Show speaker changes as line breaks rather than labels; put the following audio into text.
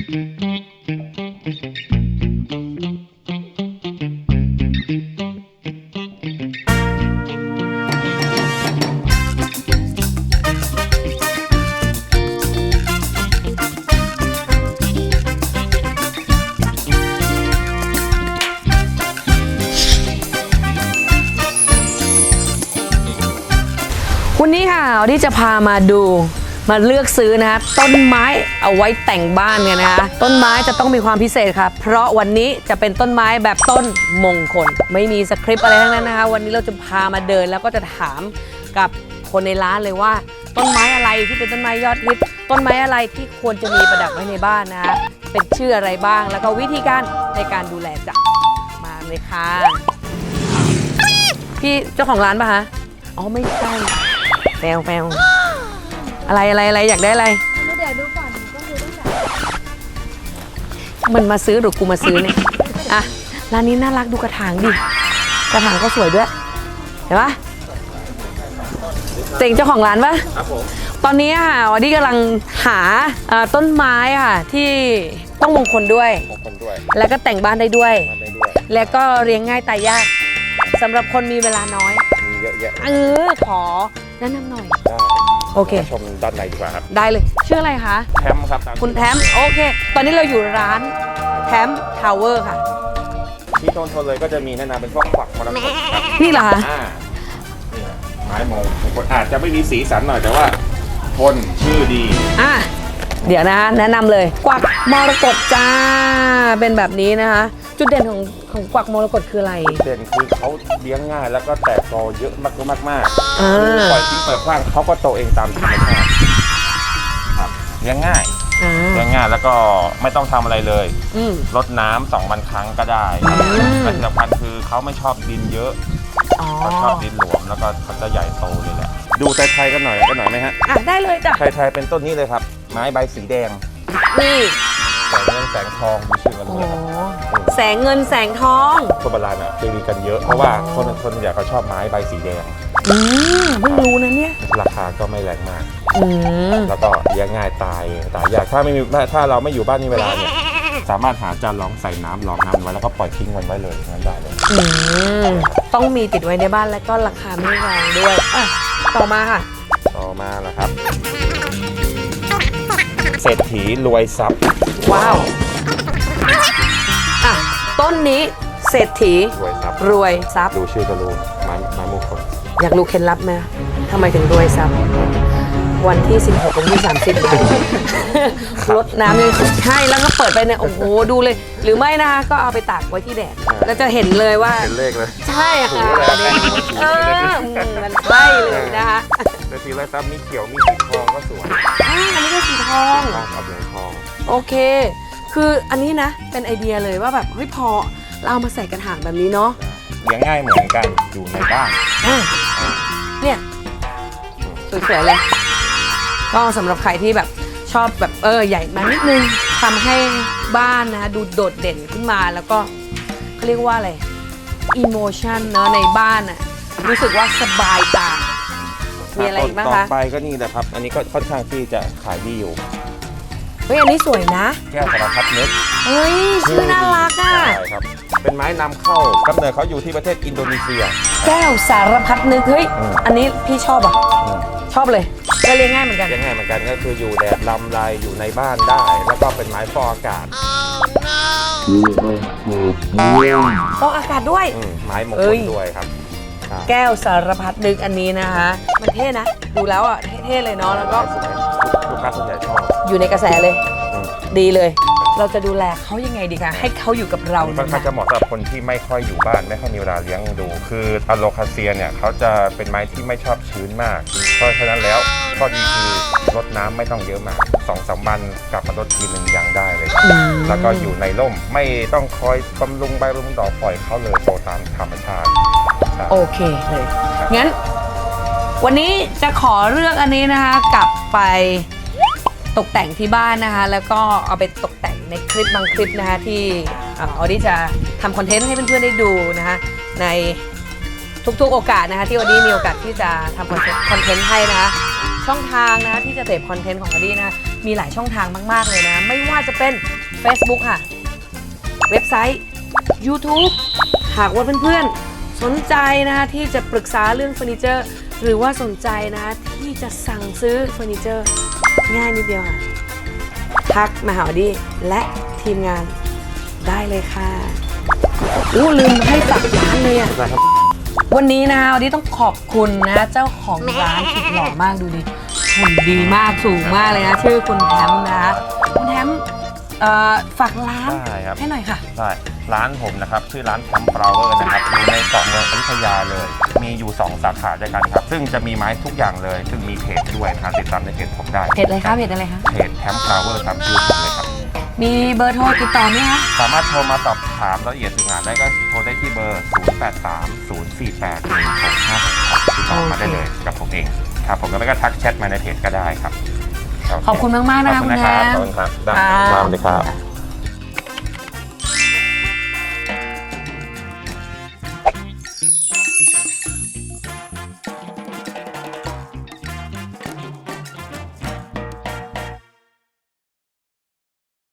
วันนี้ค่ะที่จะพามาดูมาเลือกซื้อนะคะต้นไม้เอาไว้แต่งบ้านกันนะคะต้นไม้จะต้องมีความพิเศษค่ะเพราะวันนี้จะเป็นต้นไม้แบบต้นมงคลไม่มีสคริปต์อะไรทั้งนั้นนะคะวันนี้เราจะพามาเดินแล้วก็จะถามกับคนในร้านเลยว่าต้นไม้อะไรที่เป็นต้นไม้ยอดฮิตต้นไม้อะไรที่ควรจะมีประดับไว้ในบ้านนะคะเป็นชื่ออะไรบ้างแล้วก็วิธีการในการดูแลจ้ะมาเลยค่ะพี่เจ้าของร้านป่ะคะอ๋อไม่ใช่แฟวอะไรอยากได้อะไร
เดี๋ยวดูก่อนก็คือตั้งแต่
มันมาซื้อหรือกูมาซื้อเนี่ยอ่ะร้านนี้น่ารักดูกระถางดิกระถางก็สวยด้วยเห็นปะเจ๋งเจ้าของร้านปะครับผมตอนนี้ค่ะวันนี้กำลังหาต้นไม้ค่ะที่ต้องมงคลด้วยแล้วก็แต่งบ้านได้ด้วยแล้วก็เลี้ยงง่ายตายยากสำหรับคนมีเวลาน้อย
มีเยอะแยะ
ขอแนะนำหน่อยโอเค
ชมด้านในดีกว่าครับ
ได้เลยชื่ออะไรคะ
แทมครับ
คุณแทมโอเคตอนนี้เราอยู่ร้านแทมทาวเวอร์ค่ะ
ที่โซนเลยก็จะมีแนะนำเป็นพวกฝักมรกต
นี่เหรอคะ
นี่ไม้มงคลอาจจะไม่มีสีสันหน่อยแต่ว่าทนชื่อดี
เดี๋ยวนะแนะนำเลยกวักมรกตจ้าเป็นแบบนี้นะคะจุดเด่นของกวักมรกตคืออะไร
เด่นคือเขาเลี้ยงง่ายแล้วก็แตกกอเยอะมากปล่อยทิ้งเปิดกว้างเขาก็โตเองตามธรรมชาติครับเลี้ยงง่ายแล้วก็ไม่ต้องทำอะไรเลยรดน้ำ2 วันครั้งก็ได้และที่สำคัญคือเขาไม่ชอบดินเยอะเขาชอบดินหลวมแล้วก็เขาจะใหญ่โตเลยแหละดูไทยๆกันหน่อยไหมฮะ
ได้เลยจ้ะ
ไทยๆเป็นต้นนี้เลยครับไม้ใบสีแดง
นี่
แสงเงินแสงทองดูชื่อกันเลย
แสงเงินแสงทอง
คนโบราณจะมีกันเยอะเพราะว่าคนอยากเขาชอบไม้ใบสีแดง
เพิ่งรู้นะเนี่ย
ราคาก็ไม่แรงมากแล้วก็เลี้ยงง่ายตายอยากถ้าเราไม่อยู่บ้านนี่เวลาเนี่ยสามารถหาจานรองใส่น้ำรองน้ำไว้แล้วก็ปล่อยทิ้งไว้เลยงั้นได้เลย
ต้องมีติดไว้ในบ้านแล้วก็ราคาไม่แรงด้วยต่อมาค่ะ
ต่อมาแล้วครับเศรษฐีรวยทรัพย์
ว้าวต้นนี้เศรษฐีรวยทรัพย์
ดูชื่อก็รู้ไม้มงคล
อยากรู้เคล็ดลับไหมทำไมถึงรวยทรัพย์วันที่16วันที่30ลดน้ำเลยใช่แล้วก็เปิดไปเนี่ยโอ้โหดูเลยหรือไม่นะคะก็เอาไปตากไว้ที่แดดแล้วจะเห็นเลยว่า
เป็นเลขเลย
ใช่ค่ะมันใช่เลยนะคะ
เศรษฐีรวยทรัพย์มีเขียวมีสีทองก็สวย
อันนี้ก็สีทอง
เอาเหลืองทอง
โอเคคืออันนี้นะเป็นไอเดียเลยว่าแบบเฮ้ยพอเราเอามาใส่กระถางแบบนี้เนาะ
เลี้ยงง่ายเหมือนกันอยู่ในบ้าน
เนี่ยสวยๆเลยก็สำหรับใครที่แบบชอบแบบใหญ่มานิดนึงทำให้บ้านนะดูโดดเด่นขึ้นมาแล้วก็เขาเรียกว่าอะไรอิโมชันเนาะในบ้านอ่ะรู้สึกว่าสบายตามีอะไรบ้างคะ
ต่อไปก็นี่แหละครับอันนี้ก็ค่อนข้างที่จะขายดีอยู่
เฮ้ยอันนี้สวยนะ
แก้วสารพัดนึก
เฮ้ยชื่อน่ารักอ่ะ
ใช่ครับเป็นไม้นำเข้ากำเนิดเขาอยู่ที่ประเทศอินโดนีเซีย
แก้วสารพัดนึกเฮ้ยอันนี้พี่ชอบชอบเลยก็เลี้ยงง่ายเหมือนกัน
ก็คืออยู่แดดลำไรอยู่ในบ้านได้แล้วก็เป็นไม้ฟอกอากาศ
ฟอกอากาศด้วย
ไม้มงคลด้วยครับ
แก้วสารพัดนึกอันนี้นะคะมันเท่นะดูแล้วอ่ะเท่เลยเนาะแล้วก็
ลูกค้าส่วนใหญ่ชอบ
อยู่ในกระแสเลยดีเลยเราจะดูแลเขายังไงดีคะให้เขาอยู่กับเรา
ค่อนข้างจะเหมาะสำหรับคนที่ไม่ค่อยอยู่บ้านไม่ค่อยมีเวลาเลี้ยงดูคืออะโลคาเซียเนี่ยเขาจะเป็นไม้ที่ไม่ชอบชื้นมากเพราะฉะนั้นแล้วข้อดีคือรดน้ำไม่ต้องเยอะมาก2-3 วันกลับมารดทีนึงยังได้เลยแล้วก็อยู่ในร่มไม่ต้องคอยบำรุงใบบำรุงดอกปล่อยเขาเลยโตตามธรรมชาติ
โอเคเลยงั้นวันนี้จะขอเลือกอันนี้นะคะกลับไปตกแต่งที่บ้านนะคะแล้วก็เอาไปตกแต่งในคลิปบางคลิปนะคะที่ออดี้จะทำคอนเทนต์ให้เพื่อนๆได้ดูนะคะในทุกๆโอกาสนะคะที่ออดี้มีโอกาสที่จะทำคอนเทนต์ให้นะคะช่องทางนะที่จะเสพคอนเทนต์ของอดีนะมีหลายช่องทางมากๆเลยนะไม่ว่าจะเป็น Facebook ค่ะเว็บไซต์ YouTube หากว่าเพื่อนๆสนใจนะคะที่จะปรึกษาเรื่องเฟอร์นิเจอร์หรือว่าสนใจนะที่จะสั่งซื้อเฟอร์นิเจอร์ง่ายนิดเดียวค่ะทักมาหาอดีและทีมงานได้เลยค่ะลืมให้ฝากร้านเลยอ่ะ วันนี้นะคะวันนี้ต้องขอบคุณนะเจ้าของร้านสุดหล่อมากดูดิหุ่นดีมากสูงมากเลยนะชื่อคุณแทมนะคะคุณแทมฝากร้าน
ได้ครับ
ให้หน่อยค่ะ
ใช่ร้านผมนะครับชื่อร้านแคมป์ฟลาวเวอร์นะครับอยู่ในเกาะเมืองอยุธยาเลย มีอยู่ 2 สาขาด้วยกันครับซึ่งจะมีไม้ทุกอย่างเลยซึ่งมีเพจด้วยนะครับติดตามในเพจผมได้
เพจอะไรคะเพจอะไรคะ
เพจแคมป์ฟลาวเวอร์ครับชื่อผมเลยครับ
มีเบอร์โทรติดต่อไหมคะ
สามารถโทรมาสอบถามรายละเอียดถึงงานได้ก็โทรได้ที่เบอร์ 0830481656ติดต่อมาได้เลยกับผมเองครับผมแล้วก็ทักแชทมาในเพจก็ได้ครับ
ขอบคุณมากๆนะคะ
ขอบ
คุ
คุณ
ณ
นะ
แท
ครับ
ม
ขอบคุณครับได้
ค่ะ
สวัสดีครับ